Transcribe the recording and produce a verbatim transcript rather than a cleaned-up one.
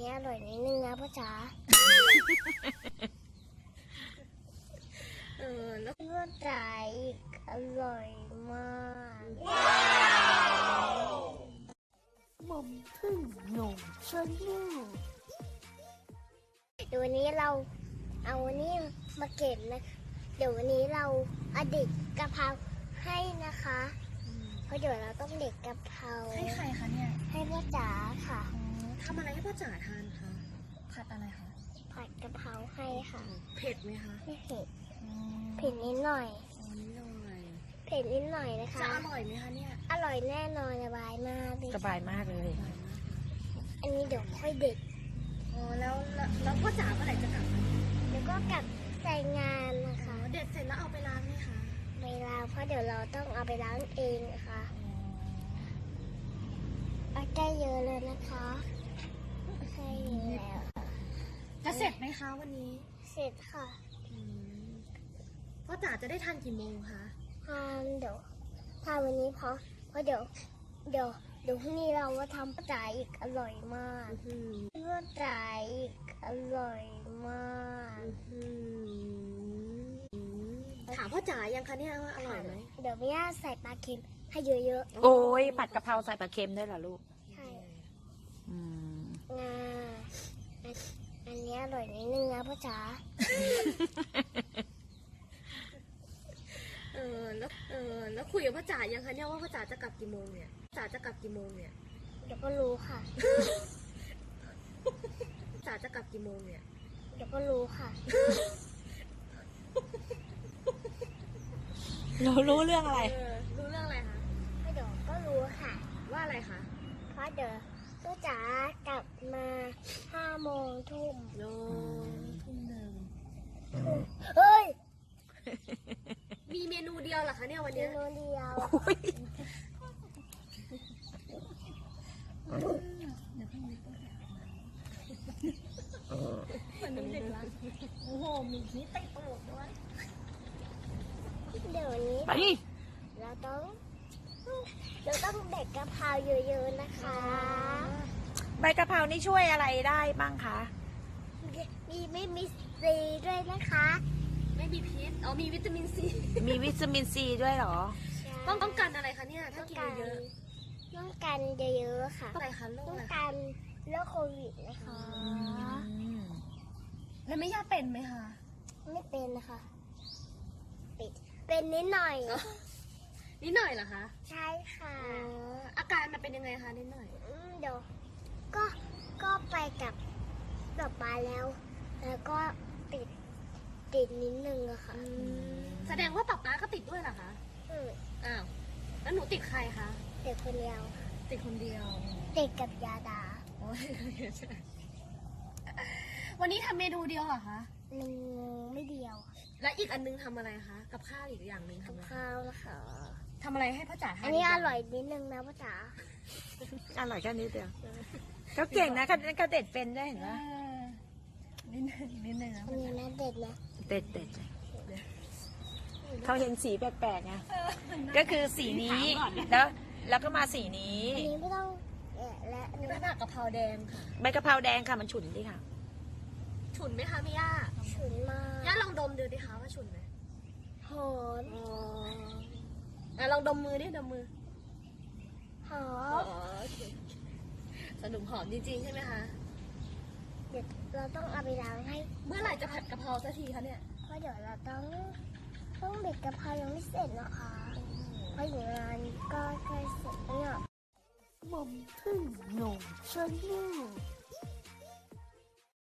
นี้อร่อยนิดนึงนะพ่อจ๋าเออแล้วพ่อจ๋าอีกอร่อยมากหม่อมพึ่งหนุ่มชวนลูกเดี๋ยววันนี้เราเอาวันนี้มาเก็บนะเดี๋ยววันนี้เราเอาเด็ดกะเพราให้นะคะเพราะเดี๋ยวเราต้องเด็ดกะเพราให้ใครคะเนี่ยให้พ่อจ๋าค่ะทำอะไรให้พ่อจ๋าทานคะผัดอะไรคะผัดกะเพราให้ค่ะเผ็ดไหมคะไม่เผ็ดเผ็ดนิดหน่อยอ๋อนิดหน่อยเผ็ดนิดหน่อยนะคะจะอร่อยไหมคะเนี่ยอร่อยแน่นอนสบายมากเลยสบายมากเลยอันนี้เดี๋ยวค่อยเด็ดอ๋อแล้วแล้วแล้วพ่อจ๋าเมื่อไหร่จะกลับคะเดี๋ยวก็กลับใส่งานนะคะอ๋อเด็ดเสร็จแล้วเอาไปล้างไหมคะไม่ล้างเพราะเดี๋ยวเราต้องเอาไปล้างเองนะคะเอาได้เยอะเลยนะคะใช่แล้วจะเสร็จไหมคะวันนี้เสร็จค่ะอืมพ่อจ๋าจะได้ทานกี่โมงคะทานเดี๋ยวทานวันนี้เพราะเพราะเดี๋ยวเดี๋ยวเดี๋ยวพรุ่งนี้เรามาทำปลาจ๋าอีกอร่อยมากอืมปลาจ๋าอีกอร่อยมากอืมถามพ่อจ๋ายังคะเนี่ยว่าอร่อยไหมเดี๋ยวแม่ย่าใส่ปลาเค็มให้เยอะโอ้ยผัดกะเพราใส่ปลาเค็มได้วยเหรอลูกๆใช่อืมงาอันอันนี้อร่อยนิดนึงนะพ่อจ๋าเออแล้วเออแล้วคุยกับพ่อจ๋ายังคะเนี่ยว่าพ่อจ๋าจะกลับกี่โมงเนี่ยพ่อจ๋าจะกลับกี่โมงเนี่ยเดี๋ยวก็รู้ค่ะพ่อจ๋าจะกลับกี่โมงเนี่ยเดี๋ยวก็รู้ค่ะเรารู้เรื่องอะไรเออรู้เรื่องอะไรคะไม่เดี๋ยวก็รู้ค่ะว่าอะไรคะเพราะเดี๋ยวพ่อจ๋ากลับมาห้าโมงทุ่มโนทุ่มหนึ่งเฮ้ยมีเมนูเดียวเหรอคะเนี่ยวันเมเนี้ยนูเดียววันนี้เด็กละโอ้โหมีนี่เตะตลกด้วยเดี๋ยวนี้ไปดิเราต้องเราต้องเด็ดกะเพราเยอะๆนะคะใบกะเพรานี่ช่วยอะไรได้บ้างคะมีไม่มีซีด้วยนะคะไม่มีพิษอ๋อมีวิตามินซีมีวิตามินซีด้วยเหรอต้องต้องการอะไรคะเนี่ยถ้าต้องกินการเยอะต้องการเยอะๆค่ะอะไรคะโรคต้องอะไรการโรคโควิดนะคะแล้วไม่ย่าเป็นไหมคะไม่เป็นนะคะปิดเป็นนิดหน่อยนิดหน่อยเหรอคะใช่ค่ะอ๋ออาการมันเป็นยังไงคะนิดหน่อยอืมเดี๋ยวก็ก็ไปกับดอกไม้แล้ว แล้วก็ติดติดนิดนึงอะค่ะแสดงว่าป๊าป๊าก็ติดด้วยเหรอคะอืมอ้าวแล้วหนูติดใครคะเด็กคนเดียวติดคนเดียวติดกับยาดาโอ้ยวันนี้ทำเมนูเดียวเหรอคะหนึ่งไม่เดียวและอีกอันนึงทำอะไรคะกับข้าวอีกอย่างหนึ่งกับทำอะไรข้าวนะคะทำอะไรให้พ่อจ๋าทานอันนี้อร่อยนิดนึงนะพ่อจ๋าอร่อยแค่นี้เดียวเขาเก่งนะเขาเขาเด็ดเป็นได้วยเห็นเอปะอนิดนึงนิดนึงนะอันนี้นะเด็ดนะเด็ดเด็ดเขาเห็นสีแปลกๆไงก็คือสีนี้แล้วแล้วก็มาสีนี้อันนี้ไม่ต้องแกะและอันนี่นี้เป็นผักกะเพราแดงค่ะใบกะเพราแดงค่ะมันฉุนดิค่ะฉุนไหมคะพี่ย่าฉุนมากย่าลองดมดูดิคะว่าฉุนไหมหอมอ๋ออ่ะลองดมมือดิดมมือหออ๋อมโอเคสนุกหอมจริงๆใช่ไหมคะเดี๋ยวเราต้องเอาไปล้างให้เมื่อไหร่จะผัดกะเพราสักทีคะเนี่ยเพราะเดี๋ยวเราต้องต้องเด็ดกะเพรายังไม่เสร็จนะคะเพราะอยู่งานก็ใกล้เสร็จแล้วเนี่ยหม่อมพึ่งหนุ่มชวนลูก